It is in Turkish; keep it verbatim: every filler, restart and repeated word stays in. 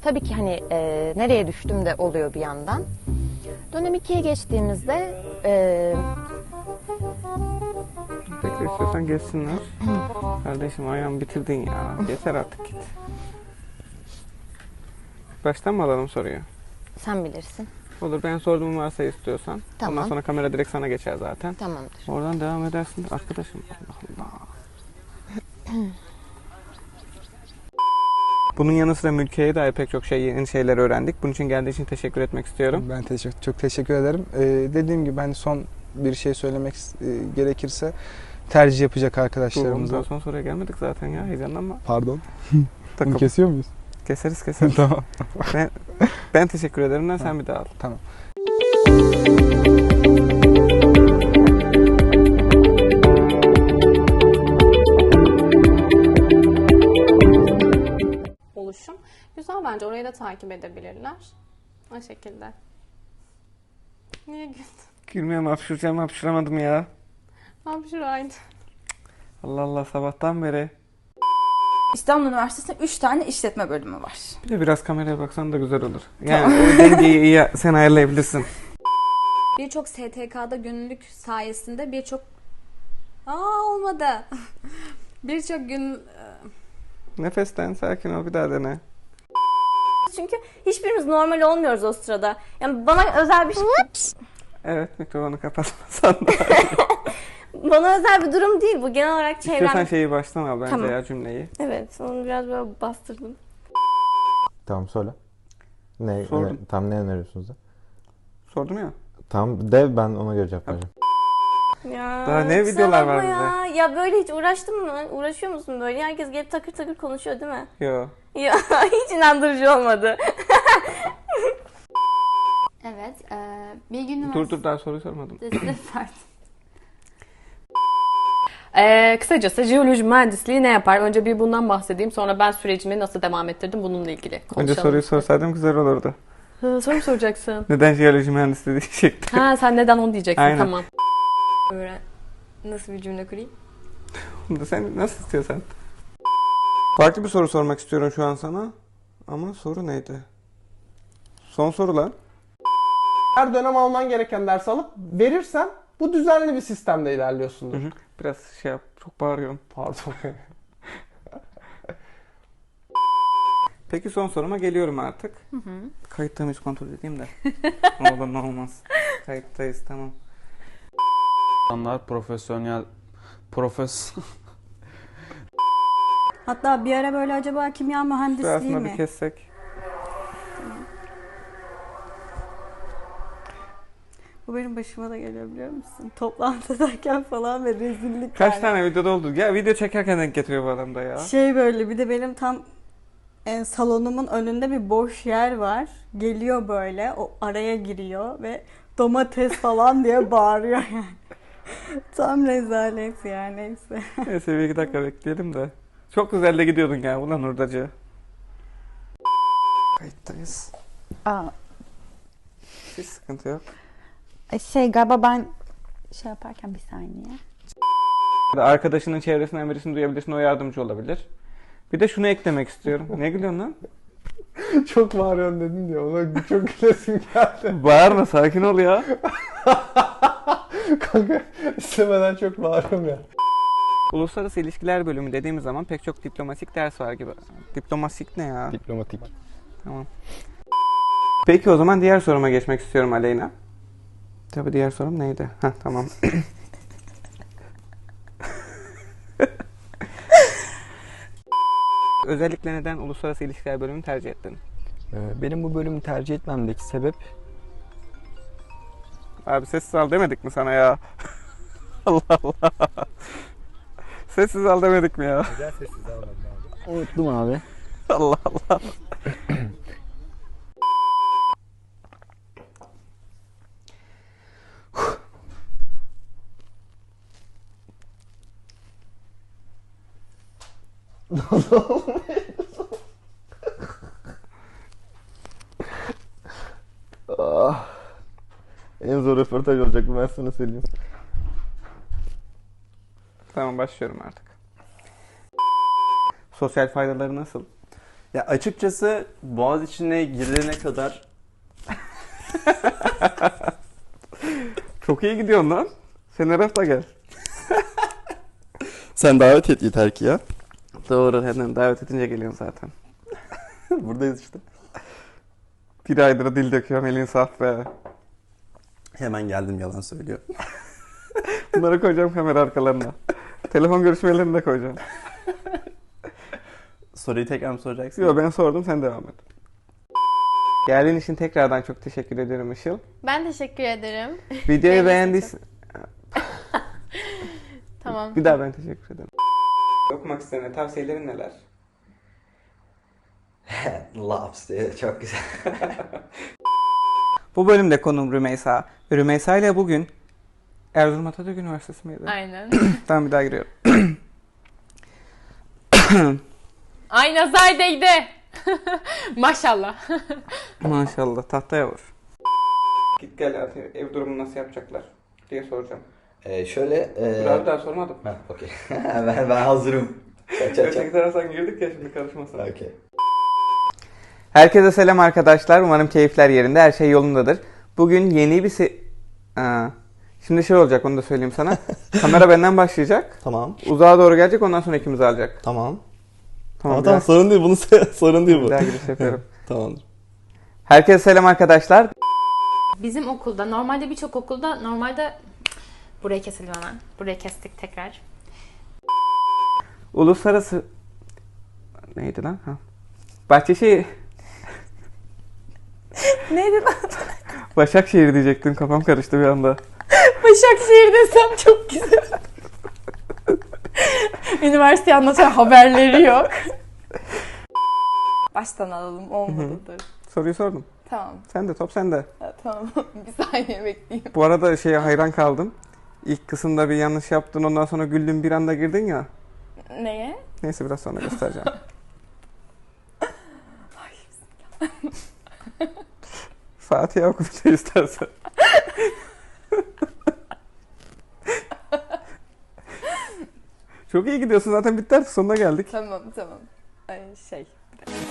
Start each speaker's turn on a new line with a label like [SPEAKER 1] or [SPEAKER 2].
[SPEAKER 1] Tabii ki hani e, nereye düştüm de oluyor bir yandan. Dönem ikiye geçtiğimizde e,
[SPEAKER 2] Bekle istiyorsan geçsinler. Kardeşim ayağımı bitirdin ya. Yeter artık git. Baştan mı alalım soruyu?
[SPEAKER 1] sen bilirsin.
[SPEAKER 2] Olur, ben sorduğumu varsa istiyorsan.
[SPEAKER 1] Tamam.
[SPEAKER 2] Ondan sonra kamera direkt sana geçer zaten.
[SPEAKER 1] Tamamdır.
[SPEAKER 2] Oradan devam edersin arkadaşım. Allah Allah. Bunun yanı sıra Mülkiye'ye dair pek çok şey, yeni şeyler öğrendik. Bunun için geldiği için teşekkür etmek istiyorum.
[SPEAKER 3] Ben teşekkür, çok teşekkür ederim. Ee, dediğim gibi hani son bir şey söylemek e, gerekirse tercih yapacak arkadaşlarımıza.
[SPEAKER 2] Daha son soruya gelmedik zaten ya, heyecanlanma.
[SPEAKER 3] Pardon.
[SPEAKER 2] Takım.
[SPEAKER 3] Bunu kesiyor muyuz?
[SPEAKER 2] Keseriz keseriz.
[SPEAKER 3] Tamam.
[SPEAKER 2] ben, ben teşekkür ederim. Ben sen bir daha al.
[SPEAKER 3] Tamam.
[SPEAKER 4] Oluşum. Güzel, bence orayı da takip edebilirler. O şekilde. Niye güldün?
[SPEAKER 2] Gülmüyorum, hapşıracağım, hapşıramadım ya.
[SPEAKER 4] Hapşıraydı.
[SPEAKER 2] Allah Allah, sabahtan beri.
[SPEAKER 5] İstanbul Üniversitesi'nde üç tane işletme bölümü var.
[SPEAKER 2] Bir de biraz kameraya baksan da güzel olur. Yani o dengeyi iyi sen ayarlayabilirsin.
[SPEAKER 6] Birçok S T K'da gönüllülük sayesinde birçok... Aa olmadı. Birçok gün...
[SPEAKER 2] Nefesten sakin ol, bir daha dene.
[SPEAKER 7] Çünkü hiçbirimiz normal olmuyoruz o sırada. Yani bana özel bir şey,
[SPEAKER 2] Evet, mikrofonu kapatmasan da.
[SPEAKER 7] bana özel bir durum değil bu. Genel olarak
[SPEAKER 2] İstiyorsan
[SPEAKER 7] çevrem.
[SPEAKER 2] şeyi baştan al bence
[SPEAKER 7] Tamam.
[SPEAKER 2] ya, cümleyi.
[SPEAKER 7] Evet, onu biraz böyle bastırdım.
[SPEAKER 8] Tamam söyle. Ne,
[SPEAKER 2] Sordum.
[SPEAKER 8] ne tam ne öneriyorsunuz da?
[SPEAKER 2] Sordum ya.
[SPEAKER 8] Tamam de, ben ona göre cevap vereceğim.
[SPEAKER 7] Ya,
[SPEAKER 2] Daha ne
[SPEAKER 7] kusura
[SPEAKER 2] videolar var
[SPEAKER 7] bakma ya. Ya böyle hiç uğraştın mı? Uğraşıyor musun böyle? Herkes gelip takır takır konuşuyor değil mi?
[SPEAKER 2] Yo.
[SPEAKER 7] Ya hiç inandırıcı olmadı.
[SPEAKER 6] Evet. E, Bilgi
[SPEAKER 2] Dur dur, daha soruyu sormadım.
[SPEAKER 6] Üniversitesi...
[SPEAKER 4] Ee, kısacası jeoloji mühendisliği ne yapar? Önce bir bundan bahsedeyim. Sonra ben sürecimi nasıl devam ettirdim bununla ilgili konuşalım.
[SPEAKER 2] Önce soruyu sorsaydım güzel olurdu.
[SPEAKER 4] Ha, soru mu soracaksın?
[SPEAKER 2] Neden jeoloji mühendisliği diyecektim.
[SPEAKER 4] Ha, sen neden onu diyeceksin.
[SPEAKER 2] Aynen.
[SPEAKER 4] Tamam.
[SPEAKER 7] Öğren. Nasıl bir cümle kurayım?
[SPEAKER 2] Bunu da sen nasıl istiyorsan. Farklı bir soru sormak istiyorum şu an sana. Ama soru neydi? Son soru lan.
[SPEAKER 9] Her dönem alman gereken ders alıp verirsen bu düzenli bir sistemde ilerliyorsundur.
[SPEAKER 2] Hı hı. Biraz şey yap, çok bağırıyorum.
[SPEAKER 9] Pardon.
[SPEAKER 2] Peki son soruma geliyorum artık. Hı hı. Kayıtta mıyız kontrol edeyim de. Ne olur ne olmaz. Kayıttayız, tamam.
[SPEAKER 10] İnsanlar profesyonel profes
[SPEAKER 5] Hatta bir ara böyle acaba kimya mühendisliği
[SPEAKER 2] Aslında
[SPEAKER 5] mi?
[SPEAKER 2] bir kessek.
[SPEAKER 5] Bu benim başıma da geliyor biliyor musun? Toplantıdayken falan ve rezillik.
[SPEAKER 2] Kaç
[SPEAKER 5] yani.
[SPEAKER 2] tane videoda oldu? Ya video çekerken denk getiriyor bu adam da ya.
[SPEAKER 5] Şey böyle, bir de benim tam e, salonumun önünde bir boş yer var. Geliyor böyle, o araya giriyor ve domates falan diye bağırıyor yani. Tam rezalet yani, neyse.
[SPEAKER 2] Neyse bir iki dakika bekleyelim de. Çok güzel de gidiyordun ya ulan hurdacı. Kayıttayız.
[SPEAKER 11] Aa,
[SPEAKER 2] Hiç sıkıntı yok.
[SPEAKER 11] şey galiba ben şey yaparken bir saniye.
[SPEAKER 2] Arkadaşının çevresinden birisini duyabilirsin, o yardımcı olabilir. Bir de şunu eklemek istiyorum. Ne gülüyorsun lan?
[SPEAKER 9] Çok bağırıyorsun dedin diye ona çok gülesim geldi.
[SPEAKER 2] Bağırma, sakin ol ya.
[SPEAKER 9] Kanka istemeden çok bağırıyorum ya.
[SPEAKER 2] Uluslararası İlişkiler bölümü dediğimiz zaman pek çok diplomatik ders var gibi. Diplomatik ne ya?
[SPEAKER 8] Diplomatik.
[SPEAKER 2] Tamam. Peki o zaman diğer soruma geçmek istiyorum Aleyna. Tabii diğer sorum neydi? Heh, tamam. Özellikle neden Uluslararası İlişkiler bölümünü tercih ettin?
[SPEAKER 3] Benim bu bölümü tercih etmemdeki sebep
[SPEAKER 2] Abi sessiz al demedik mi sana ya? Allah Allah. Sessiz al demedik mi ya?
[SPEAKER 8] Neden sessiz almadın abi?
[SPEAKER 3] unuttum abi.
[SPEAKER 2] Allah Allah.
[SPEAKER 8] Ah. En zor röportaj olacak bu, ben sana söyleyeyim.
[SPEAKER 2] Tamam, başlıyorum artık. Sosyal faydaları nasıl?
[SPEAKER 12] Ya açıkçası boğaz içine girene kadar
[SPEAKER 2] Çok iyi gidiyorsun lan. Sen her hafta gel.
[SPEAKER 12] sen davet et yeter ki ya.
[SPEAKER 2] Doğru, hemen davet edince geliyorsun zaten.
[SPEAKER 12] Buradayız işte.
[SPEAKER 2] Bir aydır dil döküyorum, elin saf be.
[SPEAKER 12] Hemen geldim, yalan söylüyor.
[SPEAKER 2] Bunları koyacağım kamera arkalarına. Telefon görüşmelerini de koyacağım.
[SPEAKER 12] Soruyu tekrar mı soracaksın?
[SPEAKER 2] Yok, ben sordum, sen devam et. Geldiğin için tekrardan çok teşekkür ederim Işıl.
[SPEAKER 4] Ben teşekkür ederim.
[SPEAKER 2] Videoyu beğendiysen...
[SPEAKER 4] Tamam.
[SPEAKER 2] Bir daha ben teşekkür ederim. Okumak istediğin tavsiyelerin neler?
[SPEAKER 13] Laps diye çok güzel.
[SPEAKER 2] Bu bölümde konuğum Rümeysa. Rümeysa ile bugün Erzurum Atatürk Üniversitesi miydi?
[SPEAKER 4] Aynen.
[SPEAKER 2] Tamam, bir daha giriyorum.
[SPEAKER 4] Ay nazar değdi. Maşallah.
[SPEAKER 2] Maşallah, tahtaya vur. Git gel artık, ev durumunu nasıl yapacaklar diye soracağım.
[SPEAKER 13] Ee, şöyle... E...
[SPEAKER 2] Biraz daha sormadım.
[SPEAKER 13] Ha, okey. ben, ben hazırım. Çak çak çak.
[SPEAKER 2] Sekreter girdik ya, şimdi karışmasın.
[SPEAKER 13] Okey.
[SPEAKER 2] Herkese selam arkadaşlar. Umarım keyifler yerinde, her şey yolundadır. Bugün yeni bir se... Aa, şimdi şey olacak, onu da söyleyeyim sana. Kamera benden başlayacak.
[SPEAKER 12] Tamam.
[SPEAKER 2] Uzağa doğru gelecek, ondan sonra ikimiz alacak.
[SPEAKER 12] Tamam.
[SPEAKER 2] Tamam,
[SPEAKER 12] Ama tamam, sorun değil, bunu sorun değil bu.
[SPEAKER 2] Bir daha giriş yapıyorum.
[SPEAKER 12] Tamamdır.
[SPEAKER 2] Herkese selam arkadaşlar.
[SPEAKER 4] Bizim okulda, normalde birçok okulda, normalde... Burayı keselim hemen. Burayı kestik tekrar.
[SPEAKER 2] Uluslararası... Neydi lan? Ha. Bahçeşehir...
[SPEAKER 7] Neydi lan?
[SPEAKER 2] Başakşehir diyecektim, kafam karıştı bir anda.
[SPEAKER 7] Başakşehir desem çok güzel. Üniversite anlatan haberleri yok. Baştan alalım, olmadıdır.
[SPEAKER 2] Soruyu sordum.
[SPEAKER 7] Tamam.
[SPEAKER 2] Sen de, top sende.
[SPEAKER 7] Ha, tamam. Bir saniye bekleyeyim.
[SPEAKER 2] Bu arada şeye hayran kaldım. İlk kısımda bir yanlış yaptın, ondan sonra güldün, bir anda girdin ya.
[SPEAKER 7] Neye?
[SPEAKER 2] Neyse, biraz sonra göstereceğim.
[SPEAKER 7] Ay bismillah.
[SPEAKER 2] Fatiha oku bir şey istersen. Çok iyi gidiyorsun, zaten bitti artık, sonuna geldik.
[SPEAKER 7] Tamam tamam. Ay şey.